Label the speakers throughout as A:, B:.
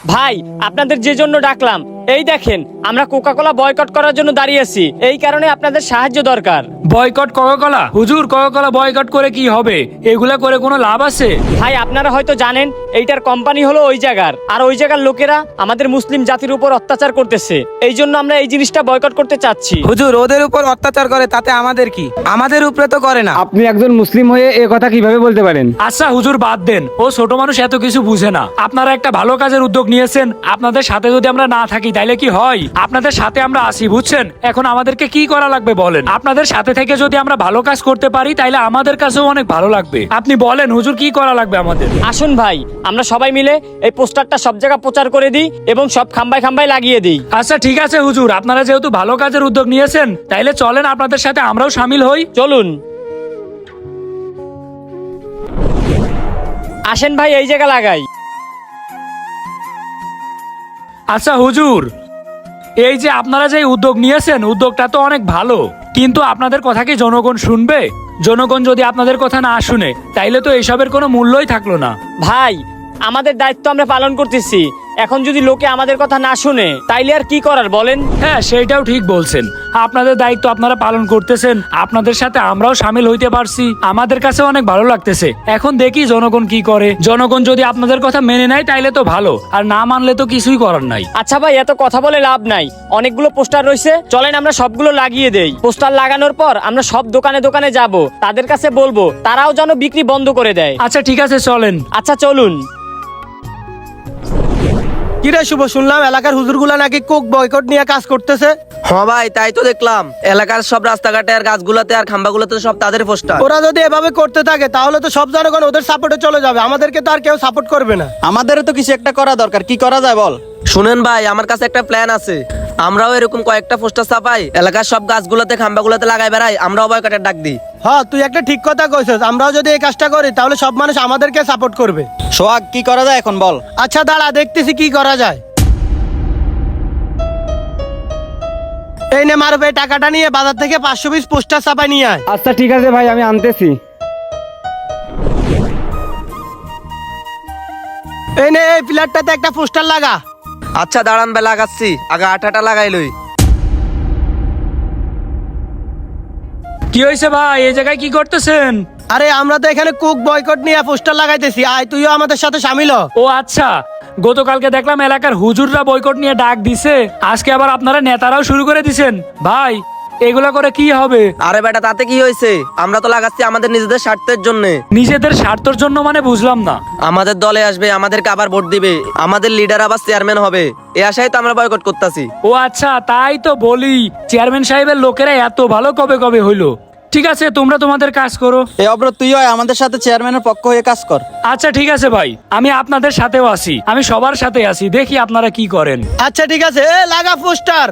A: ভাই আপনাদের যে জন্য ডাকলাম, এই দেখেন আমরা কোকাকোলা বয়কট করার জন্য দাঁড়িয়ে আছি। এই কারণে আপনাদের সাহায্য দরকার।
B: Boycott Coca Cola? হুজুর, কোকাকোলা বয়কট করে কি হবে? এগুলা করে কোনো লাভ আছে?
A: ভাই আপনারা হয়তো জানেন এইটার কোম্পানি হলো ওই জায়গার, আর ওই জায়গার লোকেরা আমাদের মুসলিম জাতির উপর অত্যাচার করতেছে। এই জন্য আমরা এই জিনিসটা বয়কট করতে চাচ্ছি।
C: হুজুর, ওদের উপর অত্যাচার করে তাতে আমাদের কি? আমাদের উপরে তো করে না।
D: আপনি একজন মুসলিম হয়ে এ কথা কিভাবে বলতে পারেন?
B: আচ্ছা হুজুর, বাদ দেন, ও ছোট মানুষ, এত কিছু বুঝে না। আপনারা একটা ভালো কাজের উদ্যোগ নিয়েছেন, আপনাদের সাথে যদি আমরা না থাকি তাইলে কি হয়? আপনাদের সাথে আমরা আসি, বুঝছেন? এখন আমাদেরকে কি করা লাগবে বলেন? আপনাদের সাথে থেকে যদি আমরা ভালো কাজ করতে পারি তাইলে আমাদের কাছেও অনেক ভালো লাগবে। আপনি বলেন হুজুর, কি করা লাগবে আমাদের?
A: আসুন ভাই, আমরা সবাই মিলে এই পোস্টারটা সব জায়গায় প্রচার করে দিই এবং সব খাম্বায় খাম্বায় লাগিয়ে দিই।
B: আচ্ছা ঠিক আছে হুজুর, আপনারা যেহেতু ভালো কাজের উদ্যোগ নিয়েছেন তাইলে চলেন আপনাদের সাথে আমরাও শামিল হই।
A: চলুন আসেন ভাই, এই জায়গা লাগাই।
B: আচ্ছা হুজুর, এই যে আপনারা যে উদ্যোগ নিয়েছেন, উদ্যোগটা তো অনেক ভালো, কিন্তু আপনাদের কথা কি জনগণ শুনবে? জনগণ যদি আপনাদের কথা না শুনে তাইলে তো এইসবের কোনো মূল্যই থাকলো না।
A: ভাই আমাদের দায়িত্ব আমরা পালন করতেছি, এখন যদি লোকে আমাদের কথা না শুনে তাইলে আর কি করার বলেন?
B: হ্যাঁ, সেইটাও ঠিক বলছেন। আপনাদের দায়িত্ব আপনারা পালন করতেছেন, আপনাদের সাথে আমরাও শামিল হইতে পারছি, আমাদের কাছে অনেক ভালো লাগতেছে। এখন দেখি জনগণ কি করে। জনগণ যদি আপনাদের কথা মেনে নেয় তাইলে তো ভালো, আর না মানলে তো কিছুই করার নাই।
A: আচ্ছা ভাই, এত কথা বলে লাভ নাই। অনেকগুলো পোস্টার রয়েছে, চলেন আমরা সবগুলো লাগিয়ে দেই। পোস্টার লাগানোর পর আমরা সব দোকানে দোকানে যাব, তাদের কাছে বলবো তারাও যেন বিক্রি বন্ধ করে দেয়।
B: আচ্ছা ঠিক আছে, চলেন।
A: আচ্ছা চলুন।
E: কিরে শুভ, শুনলাম এলাকার হুজুরগুলা নাকি কোক বয়কট নিয়ে কাজ করতেছে।
C: হ্যাঁ ভাই, তাই তো দেখলাম। এলাকার সব রাস্তাঘাটে আর গাছগুলোতে আর খাম্বাগুলোতে সব তাদের পোস্টার।
E: ওরা যদি এভাবে করতে থাকে তাহলে তো সব জনগণ ওদের সাপোর্টে চলে যাবে, আমাদেরকে তো আর কেউ সাপোর্ট করবে না।
F: আমাদেরও তো কিছু একটা করা দরকার, কি করা যায় বল?
C: শুনেন ভাই, আমার কাছে একটা প্ল্যান আছে। আমরাও এরকম কয়েকটা পোস্টার ছাপাই, এলাকার সব গাছগুলোতে খাম্বাগুলোতে লাগাই বেড়াই, আমরাও বয়কটের ডাক দিই।
E: হ্যাঁ, তুই একটা ঠিক কথা কইছিস। আমরাও যদি এই কাজটা করি তাহলে সব মানুষ আমাদেরকে সাপোর্ট করবে।
F: সোহাগ, কি করা যায় এখন বল?
E: আচ্ছা দাঁড়া, দেখতেছি কি করা যায়। এই নে মারুফ, এই টাকাটা নিয়ে বাজার থেকে 500 পিস পোস্টার ছাপাই নিয়ে আয়।
D: আচ্ছা ঠিক আছে ভাই, আমি আনতেছি।
E: এই নে, এই প্লেটটাতে একটা পোস্টার লাগা।
C: আচ্ছা দাঁড়ান ভাই, লাগাচ্ছি। আগে আঠাটা লাগাই লই।
B: কি হয়েছে ভাই, এই জায়গায় কি করতেছেন?
E: আরে আমরা তো এখানে কোক বয়কট নিয়ে পোস্টার লাগাইতেছি, আয় তুইও আমাদের সাথে শামিল হ।
B: ও আচ্ছা, গতকালকে দেখলাম এলাকার হুজুররা বয়কট নিয়ে ডাক দিছে, আজকে আবার আপনারা নেতারাও শুরু করে দিছেন। ভাই এগুলা করে কি হবে?
C: আরে বেটা, তাতে কি হয়েছে? আমরা তো লাগাচ্ছি আমাদের নিজেদের স্বার্থের জন্য।
B: নিজেদের স্বার্থের জন্য মানে বুঝলাম না।
C: আমাদের দলে আসবে, আমাদেরকে আবার ভোট দিবে, আমাদের লিডার আবার চেয়ারম্যান হবে, এই আশায় তো আমরা বয়কট করতেছি।
B: ও আচ্ছা, তাই তো বলি, চেয়ারম্যান সাহেবের লোকেরা এত ভালো কবে কবে হইলো। ঠিক আছে, তোমরা তোমাদের কাজ করো।
F: এই অব্র, তুইও আমাদের সাথে চেয়ারম্যানের পক্ষ হয়ে কাজ কর।
B: আচ্ছা ঠিক আছে ভাই, আমি আপনাদের সাথেও আছি, আমি সবার সাথে আছি, দেখি আপনারা কি করেন।
E: আচ্ছা ঠিক আছে, এ লাগা পোস্টার।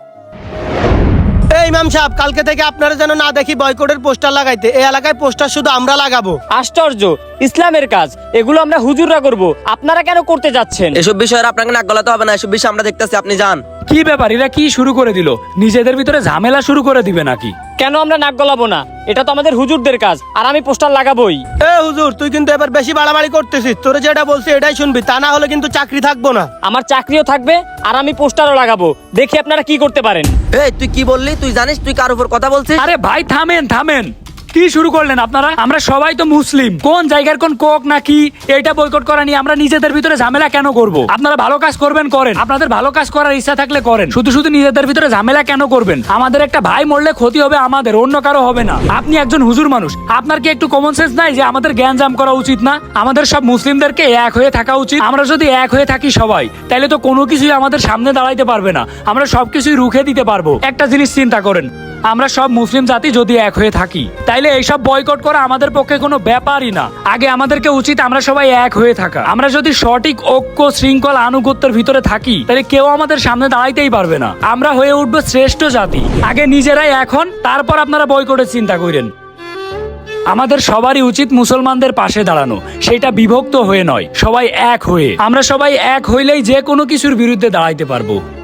E: এই ইমাম সাহেব, কালকে থেকে আপনারা যেন না দেখি বয়কটের পোস্টার লাগাইতে। এই এলাকায় পোস্টার শুধু আমরা লাগাবো।
A: আশ্চর্য, ইসলামের কাজ এগুলো আমরা হুজুররা করব, আপনারা কেন করতে যাচ্ছেন?
C: এসব বিষয়ে আর আপনাকে নাক গলাতে হবে না, এসব বিষয় আমরা দেখতেছি, আপনি যান।
B: কি ব্যাপার, এরা কি শুরু করে দিল? নিজেদের ভিতরে ঝামেলা শুরু করে দিবে নাকি?
A: কেন আমরা নাক গলাবো না? এটা তো আমাদের হুজুরদের কাজ, আর আমি পোস্টার লাগাবোই।
E: এ হুজুর, তুই কিন্তু এবার বেশি বাড়াবাড়ি করতেছিস। তোরে যেটা বলছি এটাই শুনবি, তা না হলে কিন্তু চাকরি থাকবো না।
A: আমার চাকরিও থাকবে আর আমি পোস্টারও লাগাবো, দেখি আপনারা কি করতে পারেন।
C: এই তুই কি বললি? তুই জানিস তুই কার উপর কথা বলছিস?
B: আরে ভাই থামেন থামেন, কি শুরু করলেন আপনারা? আমরা সবাই তো মুসলিম, কোন জায়গার কোন কোক নাকি এইটা বয়কট করা নিয়ে আমরা নিজেদের ভিতরে ঝামেলা কেন করব? আপনারা ভালো কাজ করবেন করেন, আপনাদের ভালো কাজ করার ইচ্ছা থাকলে করেন, শুধু শুধু নিজেদের ভিতরে ঝামেলা কেন করবেন? আমাদের একটা ভাই মরলে ক্ষতি হবে আমাদের, অন্য কারো হবে না। আপনি একজন হুজুর মানুষ, আপনার কি একটু কমন সেন্স নাই যে আমাদের জ্ঞানজাম করা উচিত না? আমাদের সব মুসলিমদেরকে এক হয়ে থাকা উচিত। আমরা যদি এক হয়ে থাকি সবাই, তাহলে তো কোনো কিছুই আমাদের সামনে দাঁড়াইতে পারবে না, আমরা সবকিছুই রুখে দিতে পারবো। একটা জিনিস চিন্তা করেন, আমরা সব মুসলিম জাতি যদি এক হয়ে থাকি তাইলে এইসব বয়কট করা আমাদের পক্ষে কোনো ব্যাপারই না। আগে আমাদেরকে উচিত আমরা সবাই এক হয়ে থাকা। আমরা যদি সঠিক ঐক্য শৃঙ্খলা আনুগত্যের ভিতরে থাকি তাহলে কেউ আমাদের সামনে দাঁড়াইতেই পারবে না। আমরা হয়ে উঠবো শ্রেষ্ঠ জাতি। আগে নিজেরাই এখন, তারপর আপনারা বয়কটের চিন্তা করেন। আমাদের সবারই উচিত মুসলমানদের পাশে দাঁড়ানো, সেটা বিভক্ত হয়ে নয়, সবাই এক হয়ে। আমরা সবাই এক হইলেই যে কোনো কিছুর বিরুদ্ধে দাঁড়াইতে পারবো।